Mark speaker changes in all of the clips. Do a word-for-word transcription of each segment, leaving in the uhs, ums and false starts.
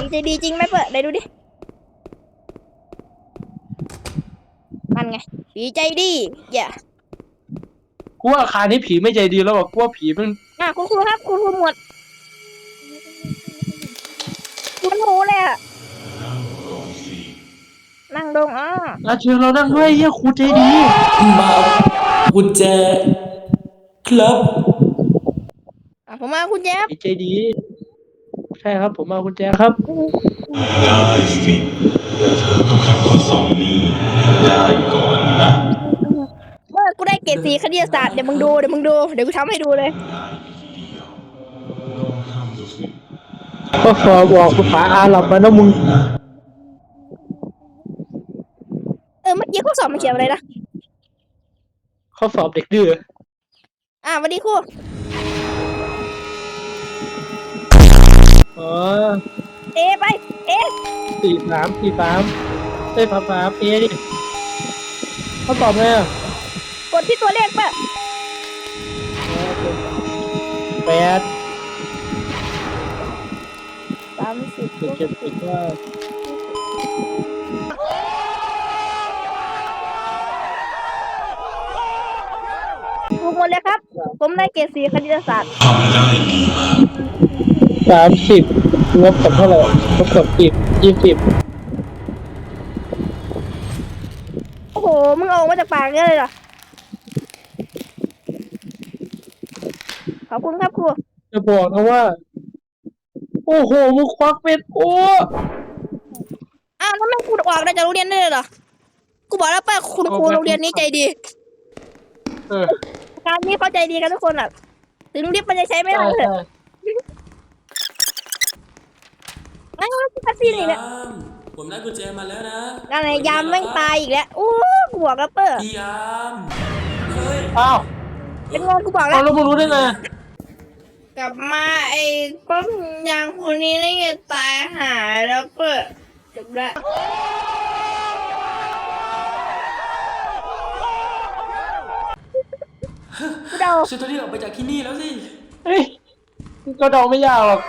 Speaker 1: ใจดีจริงไหมเปิดไหนดูดิมันไงผีใจดีอย่า
Speaker 2: กูว่าอาคารนี้ผีไม่ใจดีแล้วอ่ะกูว่าผีมัน
Speaker 1: อ่ะคุณครูครับคุณครูหมวดคุณหมูเลยอะนั่งลงอ่ะ
Speaker 2: อาเชิญเรานั่งด้วยเฮียครูใจดี
Speaker 3: มากุญแจครับ
Speaker 1: อ่ะผมมาคุณแจ๊บ
Speaker 2: ผีใจดีใช่ครับผมมาคุณแจครับ
Speaker 4: ได้สิเธอต้องทำข้อสอบนี้ได้ก่อนนะ
Speaker 1: เมื่อกูได้เกรดสีคณิตศาสตร์เดี๋ยวมึงดูเดี๋ยวมึงดูเดี๋ยวกูทำให้ดูเลย
Speaker 2: ก็สอบบอกภาษาอาหรับมานะมึง
Speaker 1: เออเมื่อกี้ข้อสอบมันเขียนอะไรนะ
Speaker 2: ข้อสอบเด็กดื้อ
Speaker 1: อ่ะสวัสดีครู
Speaker 2: อ๋อ
Speaker 1: เอไปเอ
Speaker 2: สี่สามสี่สามเอ้ยสามสามเอดิข้อสอบไงอ่ะ
Speaker 1: กดที่ตัวเลขป่ะ
Speaker 2: แปด
Speaker 1: สามสิบ
Speaker 2: เจ็ดเจ็ดสิบว่า
Speaker 1: ถูกหมดเลยครับผมได้เกรดสีคณิตศาสตร์
Speaker 4: ทำได้ดีมาก
Speaker 2: สามสิบลบกับเท่าไหร่ลบกับสิบยี่สิบ
Speaker 1: โอ้โหมึงเอามาจากปากเนี่ยเลยเหรอขอบคุณครับครู
Speaker 2: จะบอกนะว่าโอ้โหมึงควักเป็นโอ้
Speaker 1: อ้าวแล้วแม่งกูออกได้จากโรงเรียนได้เลยเหรอกูบอกแล้วป่ะคุณครูโรงเรียนนี้ใจดี
Speaker 2: เออ
Speaker 1: การนี้เขาใจดีกันทุกคนอ่ะถึงลิฟต์มันจะใช้ไม่ได้เลยนั่นก็คัสซีนอีกแล้ว
Speaker 3: ผมได้กุญแจมาแล้วนะ
Speaker 1: นั่นไงยามแม่งตายอีกแล้วโอ้กูบอกแล้วเปิด
Speaker 3: พี่ยามเฮ้ย
Speaker 2: อ้าว
Speaker 1: เป็นงงกูบอกแล้ว
Speaker 2: เราไม่รู้ได้ไง
Speaker 1: กลับมาไอ้ป้อมยางคนนี้ได้ไงตายหายแล้วเปิดจบแล้วกูเดา
Speaker 3: ฉันต้องรีบออกไปจากที่นี่แล้วสิ
Speaker 2: เฮ้ยก็เดาไม่ยากหรอก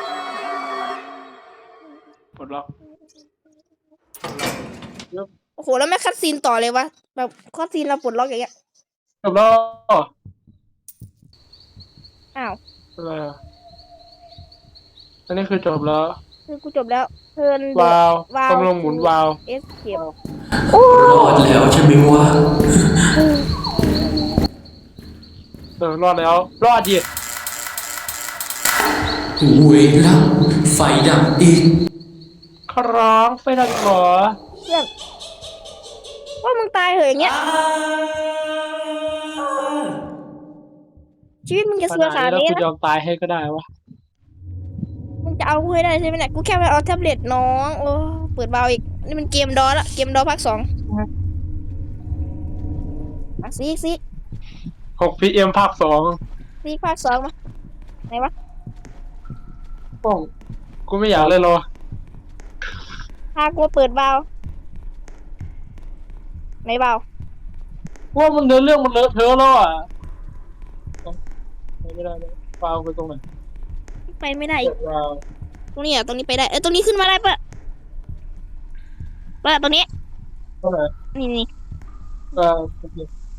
Speaker 2: ปลดล็อก
Speaker 1: โอ้โหแล้วแม่คัดซีนต่อเลยวะแบบคัดซีนเราปลดล็อกอย่างเงี้ย
Speaker 2: จบแล้ว
Speaker 1: อ้าว
Speaker 2: อะไรอ่ะอันนี้คือจบแล้ว
Speaker 1: คือกูจบแล้วเทิร์น
Speaker 2: วาว
Speaker 1: วาว
Speaker 2: กำลังหมุนวาว
Speaker 1: เอสเก็บ
Speaker 3: รอดแล้วใช่ไหมวะ
Speaker 2: เออรอดแล้วรอดดิ
Speaker 3: เวลาไฟดับอีก
Speaker 2: คร้องไฟดับหรอ
Speaker 1: เพื่อนว่ามึงตายเหรออย่างเงี้ยชีวิตมึงจะเสือขานี้นะ
Speaker 2: กูยอมตายให้ก็ได้วะ
Speaker 1: มึงจะเอาให้ได้ใช่ไหมเนี่ยกูแค่ไปเอาแท็บเล็ตน้องโอ้เปิดเบาอีกนี่มันเกมดอละเกมดอภาคสองมาซีซี
Speaker 2: หกพีเอ็มภาคสอง
Speaker 1: ซีภาคสองมาไหนวะ
Speaker 2: ป้องกูไม่อยากเลยหรอ
Speaker 1: พากูเปิดเบาไหนเบา
Speaker 2: ว่ามันเดินเรื่องมันเลอะเทอะแล้วอ่ะไม่ได้เลยเบาไปตรงไหน
Speaker 1: ไปไม่ได้อีกตรงนี้อ่ะตรงนี้ไปได้เออตรงนี้ขึ้นมาได้ปะปะตรงนี้
Speaker 2: ตรงไหน
Speaker 1: นี่นี่
Speaker 2: เออโอเค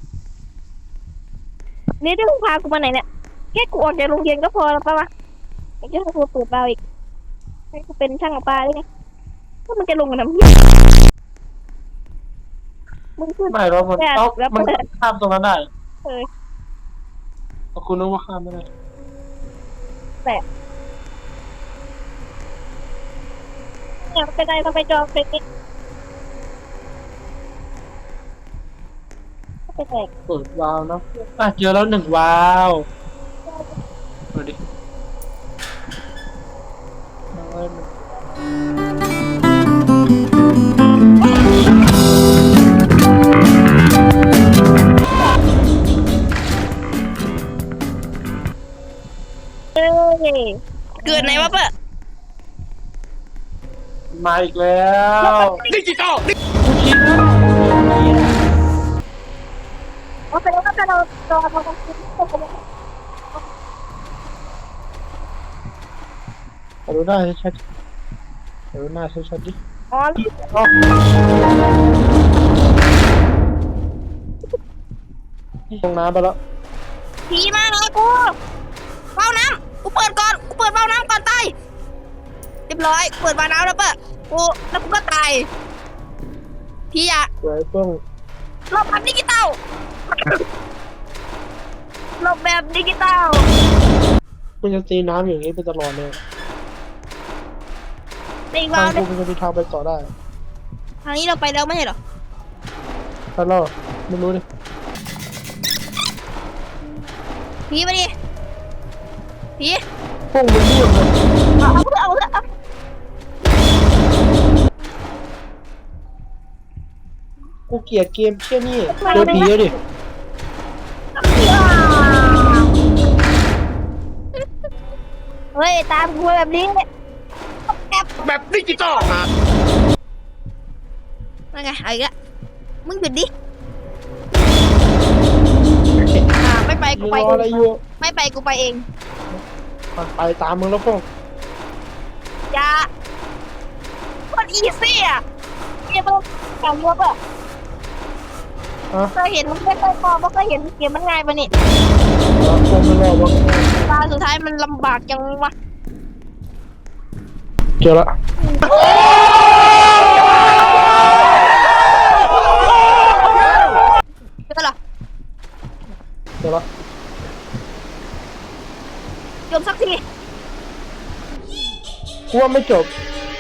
Speaker 1: นี่ที่มึงพากูมาไหนเนี่ยแค่กูออกจากโรงเรียนก็พอแล้วปะวะไอ้เจ้าตัวเปิดเบาอีกให้กูเป็นช่างปลาได้ไงก็มันจะลงกันทำไมมึงขึ้น
Speaker 2: ไม่เรามันเอ้ามันข้ามตรงนั้นได้
Speaker 1: เออ
Speaker 2: คุณนึกว่าข้ามไม่ได้
Speaker 1: แต่เนี่ยเป็นไรเราไปจองเป็นนิดเป็นไร
Speaker 2: เปิดวาล์วนะอ่ะเจอแล้วหนึ่งวาล์วดูดิ
Speaker 1: เกิดไหนวะเปะ
Speaker 2: มาอีกแล้วดิจิตอลกูคิดนะ
Speaker 1: โอเคแล้วก็เรารอเราต้องคิด
Speaker 2: ดูได้ชัดอหน้าชัดๆดิ
Speaker 1: อ๋อ
Speaker 2: อ๋อลงน้ำไปแล้ว
Speaker 1: ผีมาเลยกูเบ้าน้ำกูเปิดก่อนกูเปิดเบ้าน้ำก่อนตายเรียบร้อยเปิดเบ้าน้ำแล้วเปะกูแล้วกูก็ตายพี่อะ
Speaker 2: สวยเพิ่ง
Speaker 1: หลบแบบดิจิตอลหลบแบบดิจิตอล
Speaker 2: มันจะตีน้ำอย่างนี้ไปตลอดเลย
Speaker 1: ในอีก
Speaker 2: ทาว
Speaker 1: าง ว
Speaker 2: กูมันจะมีทางไปต่อได้
Speaker 1: ทางนี้เราไปแล้วไม่ใช่เหรอ
Speaker 2: ถ้าเราไม่รู้ดิ
Speaker 1: ผีมาดิผี
Speaker 2: พวกมันเรียบเลย
Speaker 1: เอาเอาเพื่อเอาเพื่อเอา
Speaker 2: กูเกลียดเกมเชี่ยนี่เจอผีแล้วดิ
Speaker 1: เฮ้ยตามกูมาแบบนี้เนี่ยแอบ
Speaker 2: แบบดิจิตอลนะ
Speaker 1: นั่นไงเอาอีกแล้วมึงหยุดดิอ่าไม่ไปกู
Speaker 2: ร
Speaker 1: ไป
Speaker 2: อ
Speaker 1: เอ
Speaker 2: อะไร
Speaker 1: ง
Speaker 2: อยู่
Speaker 1: ไม่ไปกูไปเอง
Speaker 2: มันไปตามมึงแล้วพวก
Speaker 1: อย่าโคตรอีซี่อ่ะเกมมันแข่งวัวป่ะ
Speaker 2: ฮะ
Speaker 1: เคยเห็นมันไม่เคยพอไม่เคยเห็นเกมมันง่ายปะนี่
Speaker 2: คงไม่รอดวะ
Speaker 1: ตาสุดท้ายมันลำบากจังวะ
Speaker 2: เจอละ
Speaker 1: เจอเหรอ
Speaker 2: เจอละ
Speaker 1: จบสักที
Speaker 2: กูว่าไม่จบ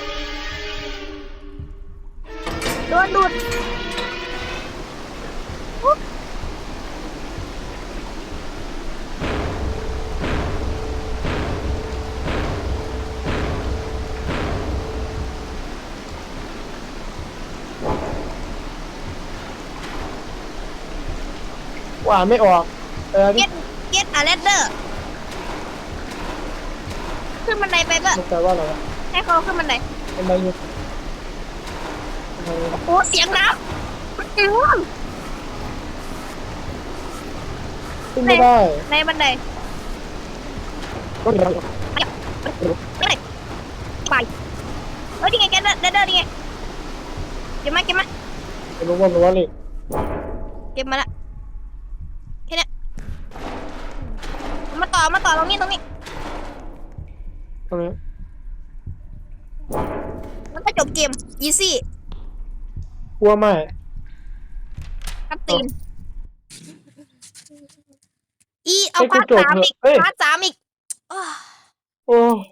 Speaker 1: โดนดูดอุ๊บ
Speaker 2: ว่าอ่านไม่ออกเออ
Speaker 1: เก็
Speaker 2: นี่
Speaker 1: ตเก็ตอะเลดเดอร์ขึ้นบันไดไปก็
Speaker 2: มันแปลว่าอะไรวะ
Speaker 1: ให้เขาขึ้นบันได
Speaker 2: ทำไมเนี่ยทำไมเนี่ย
Speaker 1: โอ้เสียงน้ำมันอื้อ
Speaker 2: ขึ้นไม่ได้
Speaker 1: ในบันได
Speaker 2: ก็เดี๋ยว
Speaker 1: ไม่ได้ไปเฮ้ยนี่ไงเก็ตเลดเดอร์นี่ไงเก็บมาเก็บมา
Speaker 2: ไม่รู้ว่ามันว่าอะไร
Speaker 1: เก็บมาละแค่เนี้ยมาต่อมาต่อตรงนี้ตรงนี้
Speaker 2: ตรงนี้
Speaker 1: แล้วก็จบเกมอีซี่
Speaker 2: กลัวไม่
Speaker 1: คัดตีนอีเอา
Speaker 2: ให้กู
Speaker 1: พาร์ท
Speaker 2: จบ
Speaker 1: สาม
Speaker 2: เถ
Speaker 1: อี
Speaker 2: อะ
Speaker 1: ก
Speaker 2: เอ้ย
Speaker 1: พาร์ทสามอีกอ้าว
Speaker 2: โอ้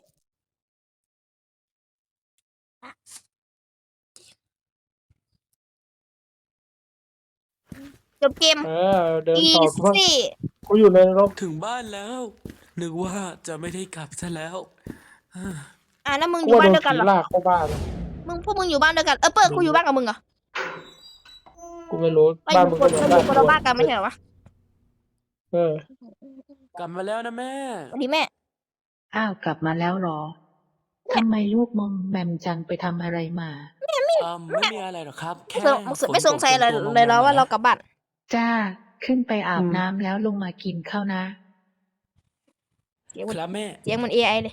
Speaker 1: จบเกม
Speaker 2: เออเดิน
Speaker 1: อี
Speaker 2: ต่อกูว่า
Speaker 1: ซี่
Speaker 2: กูอยู่ในนรก
Speaker 3: ถึงบ้านแล้ว นึกว่าจะไม่ได้กลับซะแล้ว
Speaker 1: อ่ะแล้วมึงอ
Speaker 2: กู
Speaker 1: ยู่
Speaker 2: ว่า
Speaker 1: บ้าน
Speaker 2: โดน
Speaker 1: เดียวกัน
Speaker 2: ผี
Speaker 1: เหรอ
Speaker 2: ลากเข้าบ้าน
Speaker 1: มึงพวกมึงอยู่บ้านเดียวกันเออเปิดกูอยู่บ้านกับมึงเหรอ
Speaker 2: กูไม่รู้
Speaker 1: เราอ
Speaker 2: บ้าน
Speaker 1: ยู่
Speaker 2: มึง
Speaker 1: ค
Speaker 2: ก็
Speaker 1: น
Speaker 2: เหมือน
Speaker 1: เราอ
Speaker 2: บ้าน
Speaker 1: ยู่คนละบ้านกันไม่ใช่เหรอวะ
Speaker 2: เออ
Speaker 3: กลับมาแล้วนะแม่
Speaker 1: สวัสดีแม่
Speaker 5: อ้าวกลับมาแล้วเหรอ ทำไมลูกมอมแมมจังไปทำอะไรมา
Speaker 3: อืมไม่มีอะไรหรอกครับ แค่
Speaker 1: ไม่สงไม่สงสัยเลยเลยแล้วว่าเรากลับบ้าน
Speaker 5: จ้า ขึ้นไปอาบ
Speaker 2: อืม
Speaker 5: น้ำแล้วลงมากินข้าวนะ
Speaker 1: เสียงมัน
Speaker 3: ครับแม่
Speaker 1: เสียงมันเอไอเลย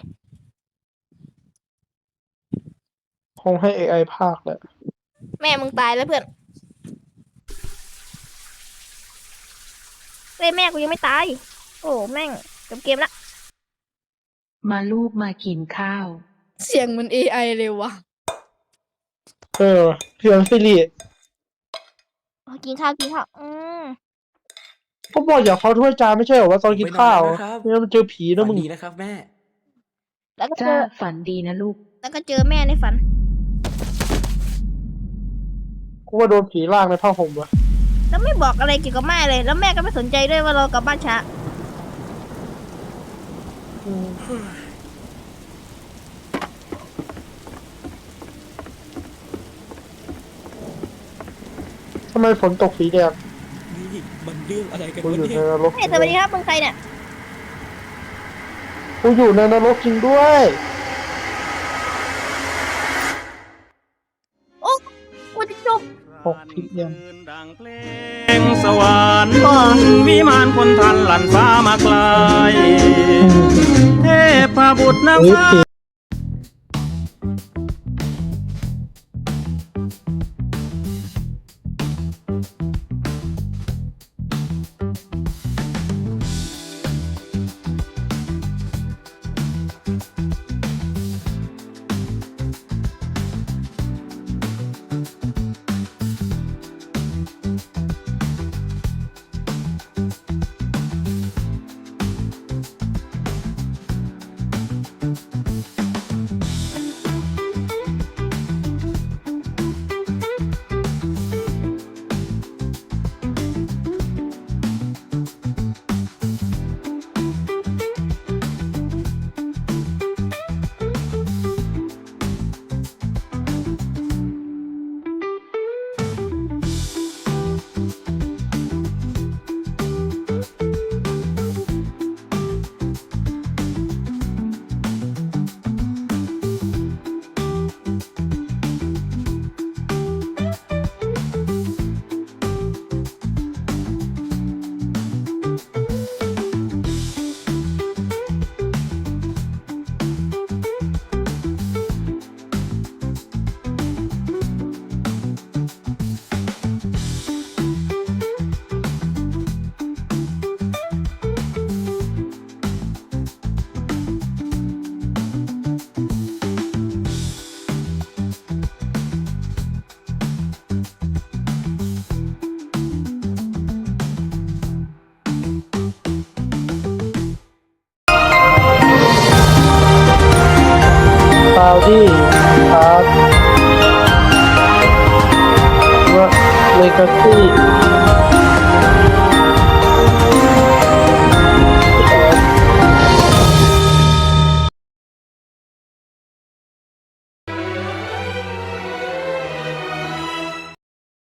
Speaker 2: คงให้ เอ ไอ ภาคแหละ
Speaker 1: แม่มึงตายแล้วเพื่อนเฮ้ยแม่กูยังไม่ตาย โอ้แม่งจบเกมละ
Speaker 5: มาลูกมากินข้าว
Speaker 1: เสียงมันเอไอเลยวะ
Speaker 2: เออเพียงซิริ
Speaker 1: กินข้าวกินข้าวอืม
Speaker 2: ก็บอกอย่าเขาถ้วยจานไม่ใช่เหรอว่าตอนกินข้าว
Speaker 3: ไม่นานนะครับ
Speaker 2: เนี่ยมันเจอผีนะ
Speaker 3: ฝั
Speaker 2: มึ
Speaker 3: น
Speaker 2: ง
Speaker 3: ดีนะครับแม่
Speaker 1: แล้วก็เจ
Speaker 5: จ้า
Speaker 1: อ
Speaker 5: ฝันดีนะลูก
Speaker 1: แล้วก็เจอแม่ในฝัน
Speaker 2: กูว่าโดนผีลากในผ้าห่มวะ
Speaker 1: แล้วไม่บอกอะไรเกี่ยวกับแม่เลย แล้วแม่ก็ไม่สนใจด้วยว่าเรากลับบ้านช้า
Speaker 2: อืมทำไมฝนตกสีแดง
Speaker 3: นี่มันเรื่องอะไรกัน
Speaker 2: กู
Speaker 3: วะ
Speaker 2: อยู่
Speaker 3: เนี่
Speaker 2: ใน
Speaker 3: ย
Speaker 2: นรก
Speaker 1: เฮ้ยสวัสดีครับมึงใครเนี่ย
Speaker 2: กูอยู่ในนรกจริงด้วย
Speaker 1: โอ้กูจะจบ
Speaker 2: หกทิศยัง
Speaker 6: ดังเพลงสวรรค์วิมานคนทันหลั่นฟ้ามาไกลเทพบุตรนาง
Speaker 2: เฮ้ย
Speaker 6: ฟ้า
Speaker 2: ผีแท็กซี่